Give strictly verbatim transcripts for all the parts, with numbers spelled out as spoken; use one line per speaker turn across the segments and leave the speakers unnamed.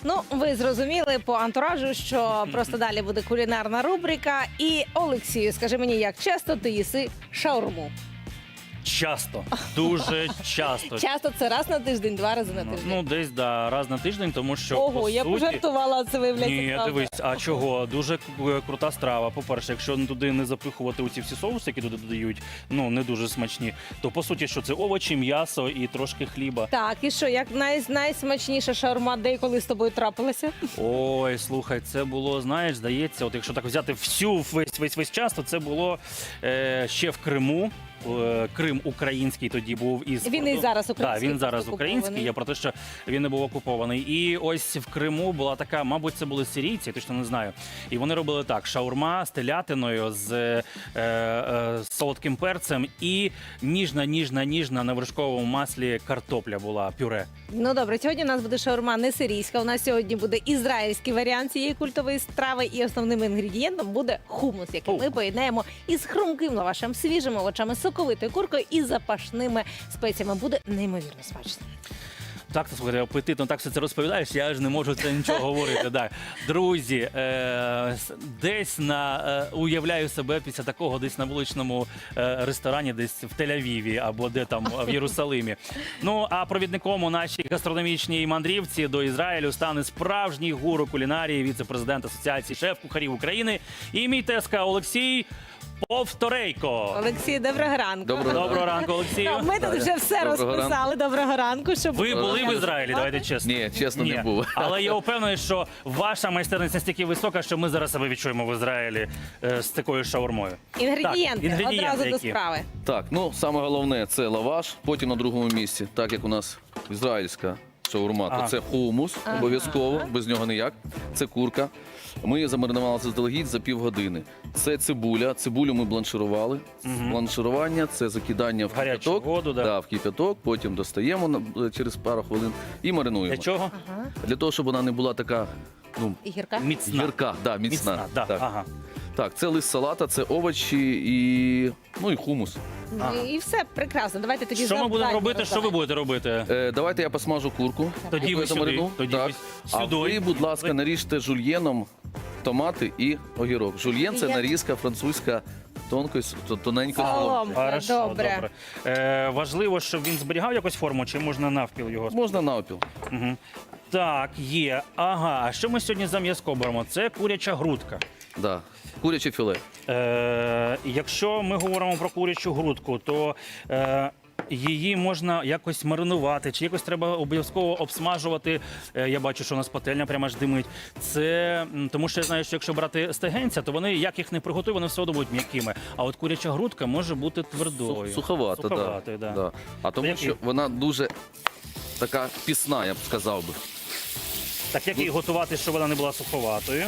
Ну, ви зрозуміли по антуражу, що просто далі буде кулінарна рубрика. І, Олексію, скажи мені, як часто ти їси шаурму?
Часто, дуже часто.
Часто це раз на тиждень, два рази на тиждень?
Ну, десь, да, раз на тиждень, тому що,
Ого,
по
я
суті...
пожартувала, а це виявляється
Ні,
правда.
дивись, а чого? Дуже к- крута страва. По-перше, якщо туди не запихувати оці всі соуси, які туди додають, ну, не дуже смачні, то, по суті, що це овочі, м'ясо і трошки хліба.
Так, і що, як най- найсмачніша шаурма, де і коли з тобою трапилася?
Ой, слухай, це було, знаєш, здається, от якщо так взяти всю весь весь весь час, то це було е, ще в Криму. Е, Крим український тоді був із
Він і зараз український.
Так, він зараз
просто
український.
окупований.
Я про те, що він не був окупований. І ось в Криму була така, мабуть, це були сирійці, я точно не знаю. І вони робили так: шаурма з телятиною, з е, е, з солодким перцем і ніжна, ніжна, ніжна на вершковому маслі картопля була пюре.
Ну добре, сьогодні у нас буде шаурма не сирійська. У нас сьогодні буде ізраїльський варіант цієї культової страви, і основним інгредієнтом буде хумус, який
О.
ми поєднаємо із хрумким лавашем, свіжими овочами, соковитою куркою і запашними спеціями. Буде неймовірно смачно.
Так, ти слухай, апетитно так все це розповідаєш, я ж не можу це нічого говорити. Да. Друзі, е, с- десь на е, уявляю себе після такого десь на вуличному е, ресторані, десь в Тель-Авіві або де там в Єрусалимі. Ну а провідником у нашій гастрономічній мандрівці до Ізраїлю стане справжній гуру кулінарії, віце-президент Асоціації шеф-кухарів України і мій тезка Олексій Повторейко.
Олексій, доброго ранку.
Доброго
Доброго ранку, Олексію.
Ну, ми тут вже все
Доброго
розписали. Доброго ранку. Щоб
Ви були в Ізраїлі, давайте чесно.
Ні, чесно, не був.
Але я впевнений, що ваша майстерність настільки висока, що ми зараз себе відчуємо в Ізраїлі е, з такою шаурмою.
Інгредієнти,
Так, інгредієнти
одразу до
які?
справи.
Так, ну саме головне це лаваш, потім на другому місці, так як у нас ізраїльська шаурма,
Ага.
то це хумус,
Ага.
обов'язково, без нього ніяк. Це курка. Ми її замаринували заздалегідь за півгодини. Це цибуля. Цибулю ми бланширували.
Мгм.
Бланширування це закидання в
Гарячу
кипяток.
воду, да.
Да, в кипяток, потім достаємо на- через пару хвилин і маринуємо.
Для чого?
Ага.
Для того, щоб вона не була така, ну,
І гірка?
Міцна.
гірка, да, міцна.
Міцна, да.
Так.
Ага.
так, це лист салата, це овочі і, ну, і хумус.
Ну,
Ага.
і все прекрасно. Давайте тоді
Що ми будемо
завдання
робити? Що ви
роздавайте.
будете робити?
Е, давайте я посмажу курку.
Тоді
яку
ви
я
сюди,
замарину.
тоді
так.
ви
А
сюди.
ви, будь ласка,
Ви-
наріжте жульєном томати і огірок. Жульєн це
Я-
нарізка французька тонкою, с- то- тоненькою
Солом.
соломкою.
Хорошо,
добре.
добре. Е, важливо, щоб він зберігав якусь форму, чи можна навпіл його?
Можна навпіл.
Угу. Так, є. Ага. А що ми сьогодні за м'язко беремо? Це куряча грудка.
Да. Куряче філе.
Е, якщо ми говоримо про курячу грудку, то е, її можна якось маринувати, чи якось треба обов'язково обсмажувати. Е, я бачу, що у нас пательня прямо аж димить. Це м, тому, що я знаю, що якщо брати стегенця, то вони, як їх не приготують, вони все одно будуть м'якими. А от куряча грудка може бути твердою.
Сух- Суховата,
Суховатою,
да.
да.
Да. А тому,
Які?
що вона дуже така пісна, я б сказав би.
Так як її готувати, щоб вона не була суховатою?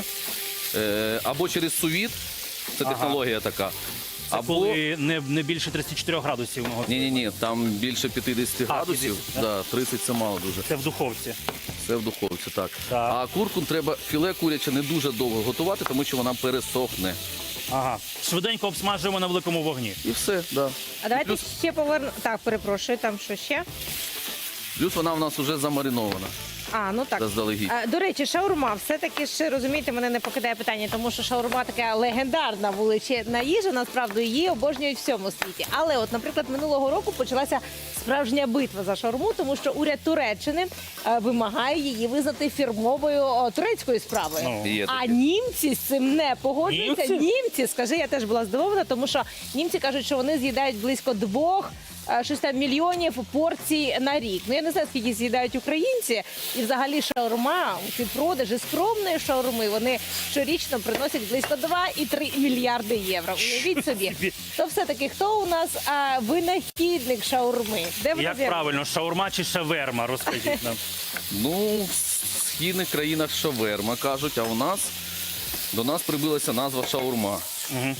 Е, або через сувіт, це
Ага.
технологія така.
Це
або...
коли не, не більше тридцять чотири градусів. ми готуємо.
Ні-ні-ні, там більше п'ятдесят
А,
градусів.
п'ятдесят,
да, тридцять це мало дуже.
Це в духовці.
Це в духовці, так.
Так.
А курку треба, філе куряче не дуже довго готувати, тому що вона пересохне.
Ага. Швиденько обсмажуємо на великому вогні.
І все, да.
А давайте
Плюс,
ще поверну. Так, перепрошую, там що ще?
плюс вона в нас вже замаринована
А, ну так.
заздалегідь.
А, До речі, шаурма, все-таки ж, розумієте, мене не покидає питання, тому що шаурма така легендарна величезна їжа, насправді її обожнюють в всьому світі. Але от, наприклад, минулого року почалася справжня битва за шаурму, тому що уряд Туреччини е, вимагає її визнати фірмовою о, турецькою справою.
Ну.
Є
А
таке.
німці з цим не погоджуються.
Німці?
Німці, скажи, я теж була здивована, тому що німці кажуть, що вони з'їдають близько двох е, щось там мільйонів порцій на рік. Ну я не знаю, скільки з'їдають українці, і взагалі шаурма, ці продажі скромної шаурми, вони щорічно приносять близько два і три мільярди євро. Уявіть собі. То все-таки хто у нас а, винахідник шаурми? Де вона
Як
з'явилася?
правильно, шаурма чи шаверма, розкажіть нам.
Ну, в східних країнах шаверма кажуть, а у нас до нас прибилася назва шаурма.
Мгм.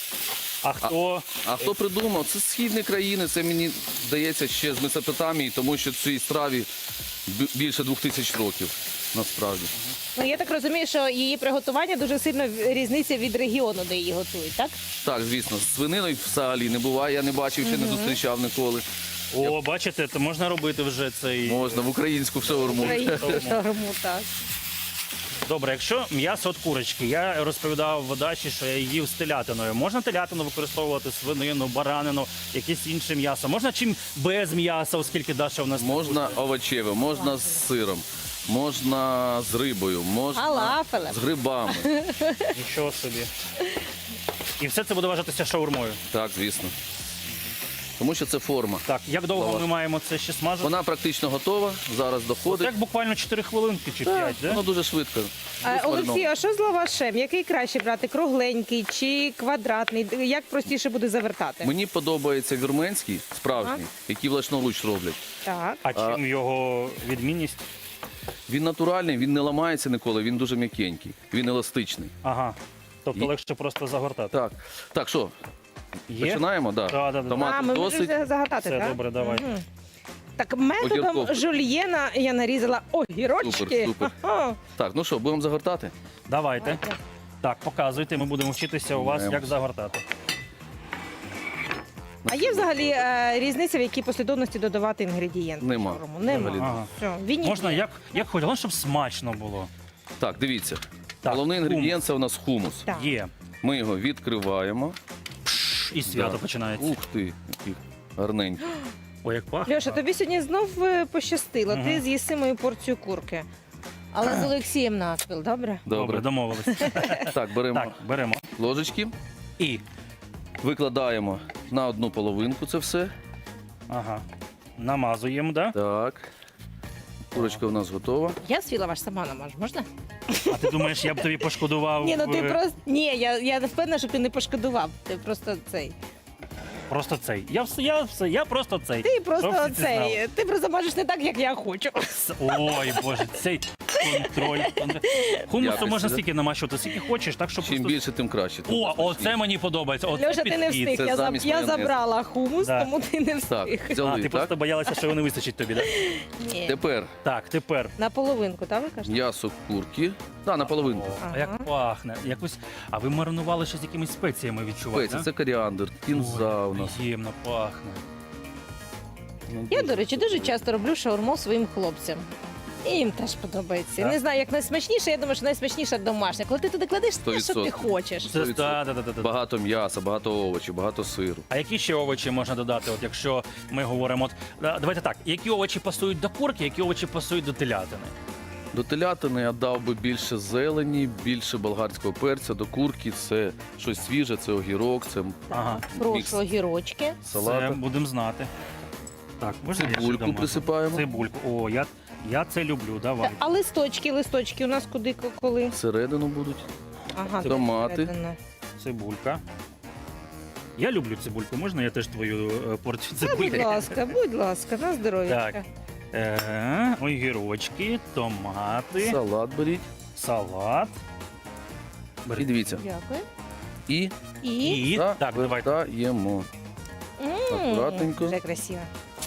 А хто?
А хто придумав? Це східні країни, це мені здається ще з Месопотамії, тому що цій страві бі- більше двох тисяч років насправді.
Ну я так розумію, що її приготування дуже сильно різниця від регіону, де її готують, так?
Так, звісно, з свининою взагалі не буває, я не бачив, ще не зустрічав ніколи.
О, бачите, то можна робити вже цей.
Можна в українську шаурму.
Українську шаурму, так.
Добре, якщо м'ясо від курочки, я розповідав в дачі, що я їв з телятиною. Можна телятину використовувати, свинину, баранину, якесь інше м'ясо? Можна чим без м'яса, оскільки Даша у нас...
Можна овочеве, можна з сиром, можна з рибою, можна
Фалафелем.
з грибами.
Нічого собі. І все це буде вважатися шаурмою.
Так, звісно. Тому що це форма.
Так, як довго
Лаваш.
ми маємо це ще смажити?
Вона практично готова, зараз доходить.
Так буквально чотири хвилинки чи п'ять, да?
Воно дуже швидко.
А,
Дуже
Олексій,
смачно.
а що з лавашем? Який краще брати? Кругленький чи квадратний? Як простіше буде завертати?
Мені подобається вірменський, справжній, який власноруч роблять.
Так.
А чим його відмінність?
Він натуральний, він не ламається ніколи, він дуже м'якенький, він еластичний.
Ага. Тобто
І-
легше просто загортати.
Так, так, що,
Є?
починаємо? Да.
Да, да, да.
А,
Томатів
ми
досить.
можемо загадати,
Все,
так?
добре, давай.
Мгм. Так, методом
Огірков.
жульєна я нарізала огірочки.
Супер, супер.
Ага.
Так, ну що, будемо загортати?
Давайте. Так, показуйте, ми будемо вчитися у вас,
Маємо.
як загортати.
А є взагалі е, різниця, в якій послідовності додавати інгредієнти?
Нема.
в шаурму? Нема.
Взагалі.
Ага.
Все, він
Можна
є.
як, як хоч, головне, щоб смачно було.
Так, дивіться.
Так,
Головний
хумус.
інгредієнт це у нас хумус.
Так.
Є.
Ми його відкриваємо.
Пш, І свято
Да.
починається.
Ух ти, який гарненький.
Ой, як пахне.
Льоша, тобі сьогодні знов е, пощастило. Ти
Мгм.
з'їси мою порцію курки. Але з Олексієм навпіл, добре?
Добре,
Добре.
домовились.
Так, беремо
Так, беремо.
ложечки,
І.
викладаємо на одну половинку це все.
Ага. Намазуємо, да?
Так. Курочка у нас готова.
Я свій лаваш сама намажу, можна?
А ти думаєш, я б тобі пошкодував?
Ні, ну ти
е,
просто. Ні, я, я не впевнена, що ти не пошкодував. Ти просто цей.
Просто цей. Я все, я все, я просто цей.
Ти
Щоб
просто
всі це знали.
цей. Ти просто можеш не так, як я хочу.
С- Ой, Боже, цей контроль. контроль. Хумусу
Якості,
можна
да?
стільки намащувати, скільки хочеш, так що
Чим
просто...
більше, тим краще. тим
О,
смачніше.
оце мені подобається. Оце
Льоша, ти не
підхід.
встиг.
Це
Я, заб-
замість
я
майонезу.
забрала хумус,
Да.
тому ти не
Так,
встиг.
А,
взяли,
ти
так?
просто боялася, що його не вистачить тобі, так?
Ні.
Тепер
Так, тепер.
На половинку, так ви кажете?
м'ясо курки. Так, на половинку.
О,
Ага.
а як пахне. Якось... А ви маринували ще з якимись спеціями відчуваєте?
Спеції, це коріандр, кінза у нас.
Приємно пахне.
Ну,
Я,
дуже
до речі, дуже
смачно.
часто роблю шаурму своїм хлопцям. І їм теж подобається.
Так.
Не знаю, як найсмачніше, я думаю, що найсмачніше домашня. Коли ти туди кладеш те, що ти
відсотків.
хочеш.
Це,
сто відсотків.
да, да, да, да, да.
Багато м'яса, багато овочів, багато сиру.
А які ще овочі можна додати, от якщо ми говоримо, от, да, давайте так, які овочі пасують до курки, які овочі пасують до телятини?
До телятини я дав би більше зелені, більше болгарського перця. До курки це щось свіже, це огірок, це
Ага.
мікс
Прошу огірочки.
Це
салата.
будемо знати. Так, можна я ще
Цибульку
домажу?
присипаємо.
Цибульку. О, я, я це люблю, давай.
А листочки, листочки у нас куди, ко- коли?
Всередину будуть.
Ага,
Томати.
всередину.
Цибулька. Я люблю цибульку. Можна я теж твою е, порцію
Та, будь
цибульки?
ласка, будь ласка, на здоров'я.
Так. Е, огірочки, томати,
Салат беріть.
салат.
І
Бери.
дивіться.
Дякую.
І
І,
І так, давайте.
завертаємо.
М,
акуратненько.
Вже красиво.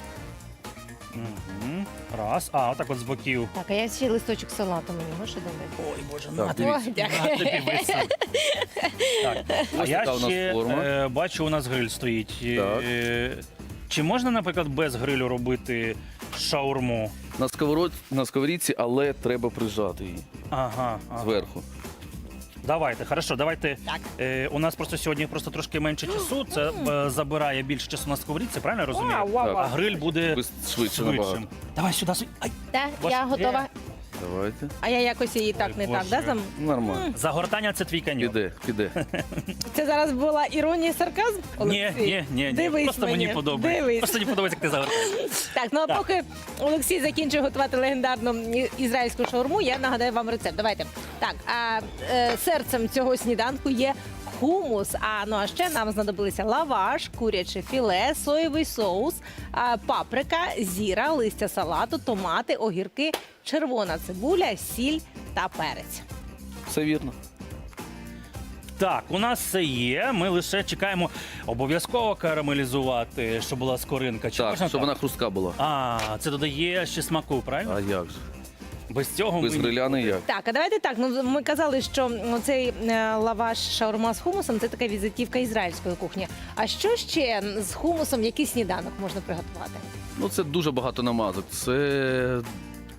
Угу. Раз. А, отак от з боків.
Так, а я ще листочок салату мені можеш додати?
Ой, Боже,
Так,
на тобі.
Ой, дякую.
На тобі висить. Так. А
Ось
я
така у нас
ще
форма.
е, бачу, у нас гриль стоїть.
Так.
Е, Чи можна, наприклад, без грилю робити шаурму?
На, сковород... на сковорідці, але треба прижати її
Ага. ага.
зверху.
Давайте, хорошо, давайте.
Так.
Е, у нас просто сьогодні просто трошки менше часу. Це е, забирає більше часу на сковорідці, правильно я розумію?
Вау, вау,
Так.
А
вау.
гриль буде
Ви швидше набагато.
швидшим. Давай сюди, сюди. Ай.
Так,
Ваш-
я готова.
Давайте.
А я якось її так
Ой,
не так,
Боже.
да? Зам?
Нормально.
Загортання це твій каньйон.
Піде, піде.
Це зараз була іронія і сарказм?
Ні,
Олексій?
ні, ні, ні.
Дивись
Просто мені
мені,
подобається.
дивись.
Просто мені подобається, як ти загортаєш.
Так, ну а
Так.
поки Олексій закінчує готувати легендарну і- ізраїльську шаурму, я нагадаю вам рецепт. Давайте. Так, а е, серцем цього сніданку є хумус. А ну а ще нам знадобилися лаваш, куряче філе, соєвий соус, а, паприка, зіра, листя салату, томати, огірки, червона цибуля, сіль та перець.
Все вірно.
Так, у нас все є. Ми лише чекаємо обов'язково карамелізувати, щоб була скоринка. Чи
Так,
можна
щоб
так?
вона хрустка була.
А, це додає ще смаку, правильно?
А як же?
Без цього
Без
ми...
гриля не як.
Так, а давайте так. Ну ми казали, що цей е, лаваш шаурма з хумусом це така візитівка ізраїльської кухні. А що ще з хумусом, який сніданок можна приготувати?
Ну це дуже багато намазок. Це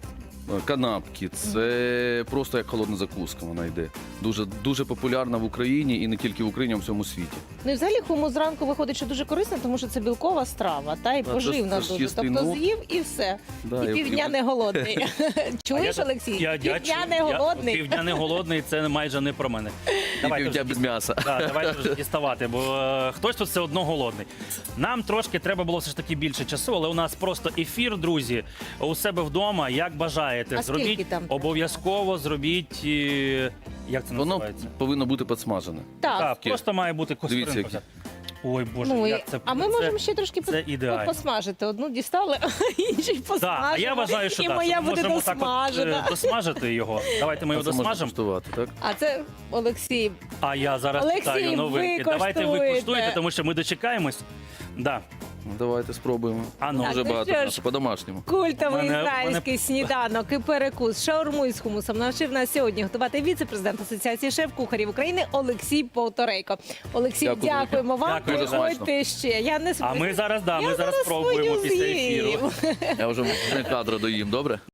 канапки. Це просто як холодна закуска вона йде. Дуже, дуже популярна в Україні і не тільки в Україні, а в всьому світі.
Ну і взагалі хумус зранку виходить, що дуже корисно, тому що це білкова страва, та і
це-
поживна
це ж
дуже.
їсти,
Тобто
ну,
з'їв і все.
Да,
і
і-
півдня
і-
не голодний. Чуєш,
Я-
Олексій?
я- я
Півдня
чую.
не
Я-
голодний.
Півдня не голодний, це майже не про мене. Давайте
півдня
вже
без
діс-
м'яса.
Да, давайте вже діставати, бо е, хтось тут все одно голодний. Нам трошки треба було все ж таки більше часу, але у нас просто ефір, друзі, у себе вдома, як бажаєте.
А скільки
Зробіть
там треба?
обов'язково, зробіть. е, Як це
Воно
називається?
повинно бути підсмажене.
Так.
Так, просто має бути
Дивіться,
костринка. Ой, Боже,
Ну, і-
як це
а ми
це-
можемо ще трошки
це
пос-
ідеально.
посмажити. Одну дістали, а інший посмажимо.
Так, а я вважаю, що
і
так,
моя
що ми
буде
можемо так от,
досмажена.
е, досмажити його. Давайте ми
А
його
це можна
досмажимо.
куштувати, так?
А це Олексій.
А я зараз
Олексій,
питаю новинки.
ви
Давайте ви
коштуєте.
куштуєте, тому що ми дочекаємось. Да.
Ну, давайте спробуємо.
А ну.
Дуже
Так, ну
багато
що ж.
м'яса, по-домашньому.
Культовий
Мене-
ізраїльський сніданок і перекус шаурму із хумусом навчив нас сьогодні готувати віце-президент Асоціації шеф-кухарів України Олексій Повторейко. Олексій,
Дякую,
дякуємо вам.
Дякую, дуже
Приходьте ще. Я не
А ми зараз, да,
Я
ми зараз
зараз
спробуємо
свою
після
з'їм.
ефіру.
Я вже не кадро доїм, добре?